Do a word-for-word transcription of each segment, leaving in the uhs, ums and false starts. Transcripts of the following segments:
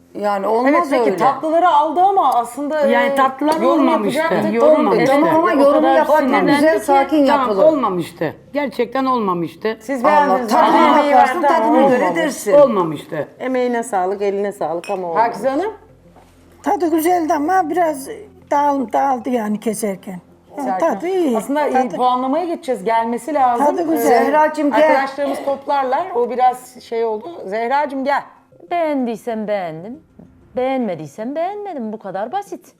Yani olmaz Evet peki öyle. tatlıları aldı ama aslında Yani e, tatlılar yorum olmamıştı. yapacaktık. Olmamıştı. Tamam ama O yorumu kadar yaparken sinirlendi güzel ki, sakin tamam, yapılır. olmamıştı. Gerçekten olmamıştı. Siz Allah beğendiniz mi? tadına Ama- bakarsın, tadına göre olmamış. dersin. Olmamıştı. Emeğine sağlık, eline sağlık ama olmamış. Pakize Hanım? Tadı güzeldi ama biraz dağıl, dağıldı yani keserken. Ha, tadı iyi. Aslında e, tadı, puanlamaya geçeceğiz. Gelmesi lazım. Tadı güzel. Zehracığım gel. Arkadaşlarımız toplarlar. O biraz şey oldu. Zehracığım gel. Beğendiysem beğendim. Beğenmediysem beğenmedim. Bu kadar basit.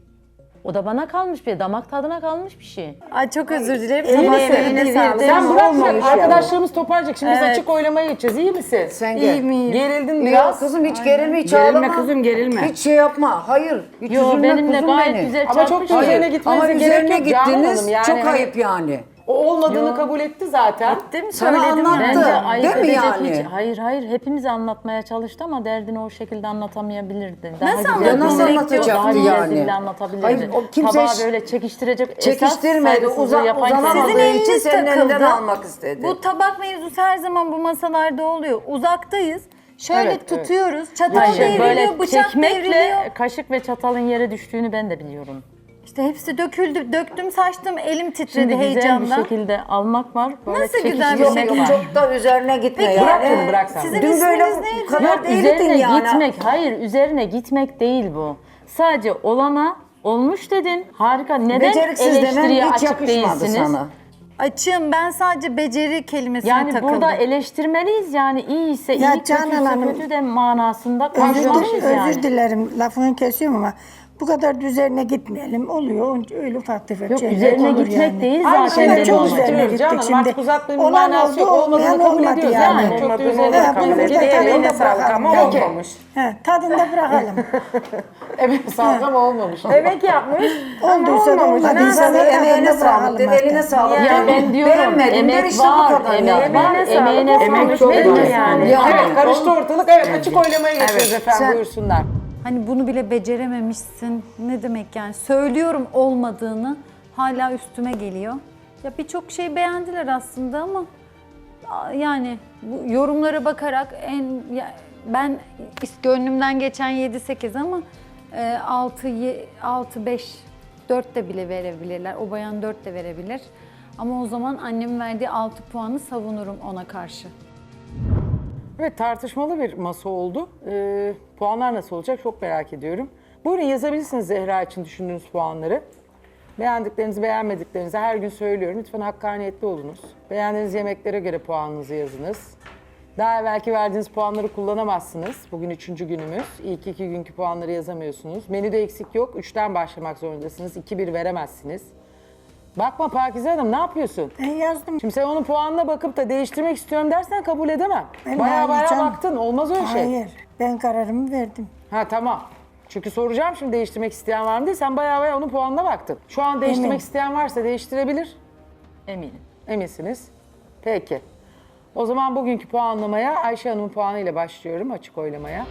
O da bana kalmış bir, damak tadına kalmış bir şey. Ay çok özür dilerim. Eline Tamam, emeğine sevdiğim sağlık. bir- Sen bırak olmamış bırak. yani. Arkadaşlarımız toparlayacak. Şimdi biz Evet. açık oylamaya geçeceğiz. İyi misin? Sen gel. İyi miyim? Gerildin Yok biraz. kızım hiç gerilme, hiç Gerilme ağlama. kızım, gerilme. Hiç şey yapma. Hayır. Hiç Yo üzülme benimle kuzum gayet benim. güzel Ama çok çarpmış. da üzerine Hayır. gitmenize Ama gerek üzerine yok Canan gittiniz. Hanım. Yani çok hani ayıp yani. O olmadığını kabul etti zaten. Değil mi? Sana Söyledim anlattı. yani. Bence ayıp Değil mi edecek yani? hiç. Hayır hayır hepimize anlatmaya çalıştı ama derdini o şekilde anlatamayabilirdi. Daha Nasıl güzel, anlatması Ya nasıl daha anlatacaktı güzel yani? dille anlatabilirdi. Hayır, o kimse Tabağı ş- böyle çekiştirecek. Çekiştirmedi, esas uza- saygısızlığı yapan uzanamadığı kimse- Sizin için eliniz senin takıldı. elinden almak istedi. Bu tabak mevzusu her zaman bu masalarda oluyor. Uzaktayız. Şöyle Evet, evet. tutuyoruz. Çatal Hayır, devriliyor, böyle bıçak çekmekle devriliyor. kaşık ve çatalın yere düştüğünü ben de biliyorum. İşte hepsi döküldü. Döktüm, saçtım, elim titredi Şimdi güzel bir heyecandan. şekilde almak var. Böyle Nasıl güzel bir Yok şey yok var? çok da üzerine gitme Peki, yani. Bırak bunu, bırak sen. Sizin Dün böyle isminiz neydi? bu kadar Yok değildin üzerine yani. gitmek, hayır üzerine gitmek değil bu. Sadece olana olmuş dedin. Harika. Neden Beceriksiz demen eleştiriye hiç açık yakışmadı değilsiniz? sana. Açığım, ben sadece beceri kelimesine Yani takıldım. burada eleştirmeliyiz yani iyiyse Ya iyi, Canan kötüyse Hanım, kötü de manasında özür, konuşmalıyız özür yani. dilerim lafını kesiyorum ama bu kadar üzerine gitmeyelim. Oluyor öyle ufak tefek Yok şeyler üzerine olur gitmek yani. değil Aynı zaten şeyleri benim çok amacım. üzerine istiyoruz gittik canım. Artık şimdi. uzatmanın Olan manası yok. oldu, Olmadığını olmayan kabul olmadı ediyoruz. yani. Yani. Çok da Olmadığını üzerine Ha, kabul bunu da ediyoruz. tadında Eline sağlık bırakalım. ama Peki. olmamış. He, tadında bırakalım. Evet sağlık ama olmamış. Emek yapmış Olduysa da olmamış. olmadıysa İnsanın da emeğine tadında sağlık der, bırakalım eline artık. sağlık Ya der. ben diyorum Beğenmedim der emek işte bu var, kadar emek yani. var, Emeğine emeğine sağlık. sağlık. Emek çok Nedir var. yani? Yani. Evet karıştı ortalık. Evet açık oylamaya geçiyoruz efendim. Sen- Buyursunlar. Hani bunu bile becerememişsin. Ne demek yani? Söylüyorum olmadığını hala üstüme geliyor. Ya birçok şey beğendiler aslında ama a- yani bu yorumlara bakarak en ya ben is- gönlümden geçen yedi sekiz ama e, altı altı beş dört de bile verebilirler. O bayan dört de verebilir. Ama o zaman annemin verdiği altı puanı savunurum ona karşı. Evet tartışmalı bir masa oldu. Ee, puanlar nasıl olacak çok merak ediyorum. Buyurun yazabilirsiniz Zehra için düşündüğünüz puanları. Beğendiklerinizi, beğenmediklerinizi her gün söylüyorum. Lütfen hakkaniyetli olunuz. Beğendiğiniz yemeklere göre puanınızı yazınız. Daha evvelki verdiğiniz puanları kullanamazsınız. Bugün üçüncü günümüz. İlk iki günkü puanları yazamıyorsunuz. Menüde eksik yok. Üçten başlamak zorundasınız. İki bir veremezsiniz. Bakma Pakize Hanım ne yapıyorsun? Ben yazdım. Şimdi sen onun puanına bakıp da değiştirmek istiyorum dersen kabul edemem. Ben Baya hayır baya canım. baktın. Olmaz öyle şey. Hayır. Ben kararımı verdim. Ha tamam. Çünkü soracağım şimdi değiştirmek isteyen var mı diye. Sen baya baya onun puanına baktın. Şu an değiştirmek Eminim. isteyen varsa değiştirebilir. Eminim. Eminsiniz. Peki. O zaman bugünkü puanlamaya Ayşe Hanım'ın puanıyla başlıyorum açık oylamaya.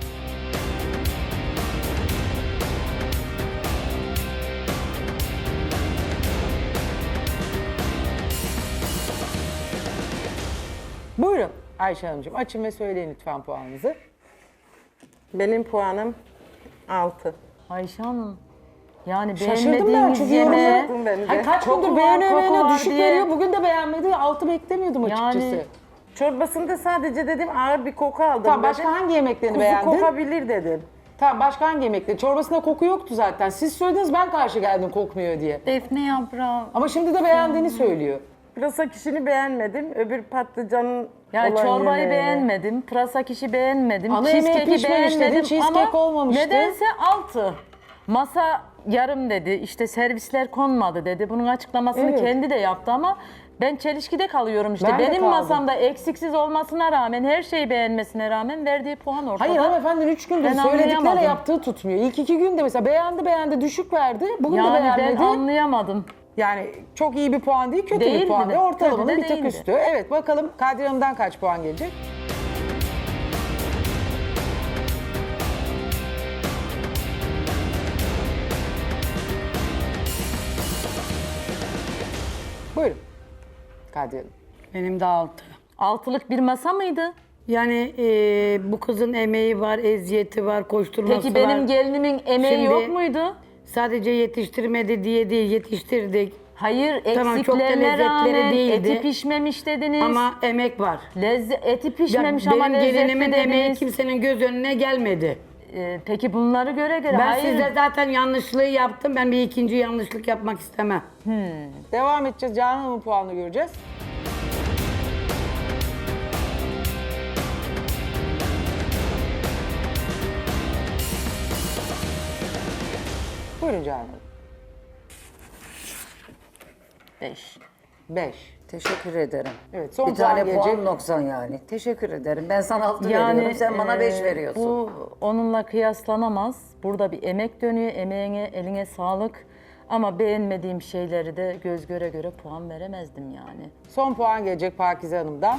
Buyurun Ayşe Hanımcığım açın ve söyleyin lütfen puanınızı. Benim puanım altı. Ayşe Hanım. Yani Şaşırdım ben beğenmediğiniz çünkü yemeğe... yorumları... Ben de. Hayır, kaç Koku gündür var, beğeniyor koku beğeniyor var düşük diye. veriyor. Bugün de beğenmedi. Altı beklemiyordum Yani- açıkçası. Çorbasında sadece dedim ağır bir koku aldım. Tamam dedim. başka hangi yemeklerini Kuzu beğendin? kokabilir dedim. Tamam başka hangi yemekleri? Çorbasında koku yoktu zaten. Siz söylediniz ben karşı geldim kokmuyor diye. Defne yaprağı Ama şimdi de beğendiğini söylüyor. Pırasa kişini beğenmedim. Öbür patlıcanın Yani olan çorbayı yemeğini. beğenmedim, pırasa kişi beğenmedim, Ana yemeği cheesecake'i pişmemiş dedin, beğenmedim cheesecake ama olmamıştı. nedense altı. Masa yarım dedi, işte servisler konmadı dedi. Bunun açıklamasını Evet. kendi de yaptı ama ben çelişkide kalıyorum işte. Ben de Benim kaldım. masamda eksiksiz olmasına rağmen, her şeyi beğenmesine rağmen verdiği puan ortada. Hayır hanımefendinin üç gündür Ben söyledikleriyle anlayamadım. yaptığı tutmuyor. İlk iki günde mesela beğendi beğendi düşük verdi. Bugün de Yani ben beğenmedi. anlayamadım. Yani çok iyi bir puan değil, kötü Değildi bir puan de, değil. Ortalamanın kötü de bir tık değildi. üstü. Evet bakalım Kadriye Hanım'dan kaç puan gelecek? Buyurun Kadriye Hanım. Benim de altı. Altılık bir masa mıydı? Yani e, bu kızın emeği var, eziyeti var, koşturması Peki var. benim gelinimin emeği Şimdi- yok muydu? Sadece yetiştirmedi diye değil, yetiştirdik. Hayır, Tamam, çok da eksiklerine lezzetleri rağmen değildi. eti pişmemiş dediniz. Ama emek var. Lezze eti Ya pişmemiş ama benim lezzetli gelinimin emeği dediniz. kimsenin göz önüne gelmedi. Ee, peki bunları göre göre Ben hayır. sizde zaten yanlışlığı yaptım. Ben bir ikinci yanlışlık yapmak istemem. Devam edeceğiz. Canan Hanım'ın puanını göreceğiz. Buyurun Canan Hanım. Beş. Beş. Teşekkür ederim. Evet, son bir tane puan puan gelecek. noksan yani. Teşekkür ederim. Ben sana altı Yani veriyorum. Sen bana beş e, veriyorsun. Bu onunla kıyaslanamaz. Burada bir emek dönüyor. Emeğine, eline sağlık. Ama beğenmediğim şeyleri de göz göre göre puan veremezdim yani. Son puan gelecek Pakize Hanım'dan.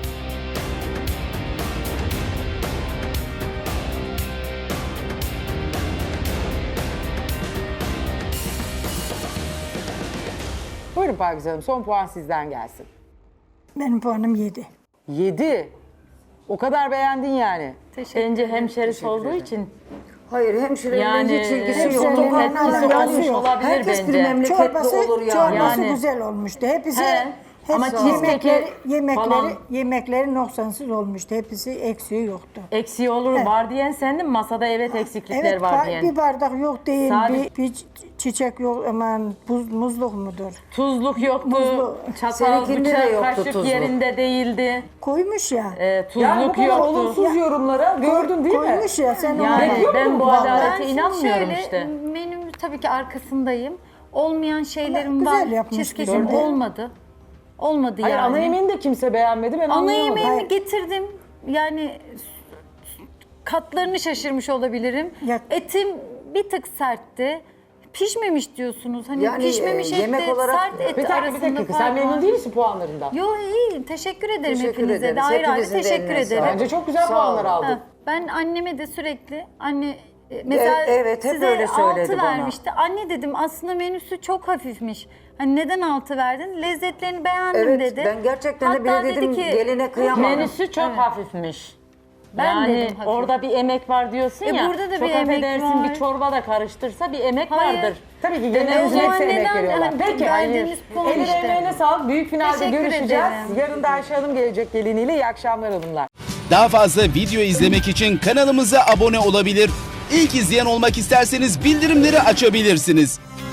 Buyurun Pakize Hanım, son puan sizden gelsin. Benim puanım yedi. Yedi. O kadar beğendin yani. Bence hemşerisi olduğu için Hayır, hemşirenin yani hiç ilgisi hemşirenin yok. Hemşirenin etkisi alakası olmuş yok. olabilir Herkes bir bence. memleketli Çorbası, olur yani. çorbası Yani. güzel olmuştu. Hepsi, He. hepsi Ama cheesecake'i yemekleri, yemekleri, falan- yemekleri noksansız olmuştu. Hepsi eksiği yoktu. eksiği olur Evet. var diyen sendin, masada evet eksiklikler Evet, var ba- diyen. bir bardak yok değil, Sadece- bir, bir çi- çiçek yok, aman buz, muzluk mudur? Tuzluk yoktu, Muzlu. çatal, Seninkinde de bıçak, yoktu kaşık tuzluk. yerinde değildi. Koymuş ya. Ee, tuzluk Yani bu kadar yoktu. olumsuz yorumlara gördün değil mi? Koymuş ya sen onu. Yani Bekliyor ben muydun bu vallahi? Ben adalete şimdi inanmıyorum şöyle, işte. menümün tabii ki arkasındayım. Olmayan şeylerim Güzel var. yapmış Cheesecake'im güzel. olmadı. Olmadı Hayır, yani. ana yemeğini de kimse beğenmedi, ben Ana anlayamadım. yemeğimi Hayır. getirdim. Yani katlarını şaşırmış olabilirim. Ya- Etim bir tık sertti. Pişmemiş diyorsunuz. Hani Yani, pişmemiş e, etle yemek olarak- sert et Bir dakika, bir arasında dakika. fark Sen memnun var. değil misin puanlarından? Yo iyiyim. Teşekkür ederim Teşekkür hepinize ederiz. de. Ayrı ayrı Hepinizin de teşekkür eline ederim. sağlık. Bence çok güzel Sağ puanlar ol. aldın. Ha, ben anneme de sürekli anne e, mesela E- evet, hep size öyle söyledi altı bana. vermişti. Anne dedim aslında menüsü çok hafifmiş. Hani neden altı verdin? Lezzetlerini beğendim Evet, dedi. ben gerçekten de Hatta bile dedi dedim, ki, geline kıyamam. Menüsü çok hafifmiş. Ben yani dedim hafif. orada bir emek var diyorsun E ya. burada da çok bir emek affedersin, var. bir çorba da karıştırsa bir emek Hayır. vardır. Tabii ki E, o gelinlerimize zaman hepsi emek neden veriyorlar. hani Peki, verdiğimiz puan eline işte. emeğine sağlık. Büyük finalde Teşekkür görüşeceğiz. ederim. Yarın da Ayşe Hanım gelecek geliniyle. İyi akşamlar hanımlar. Daha fazla video izlemek için kanalımıza abone olabilir. İlk izleyen olmak isterseniz bildirimleri açabilirsiniz.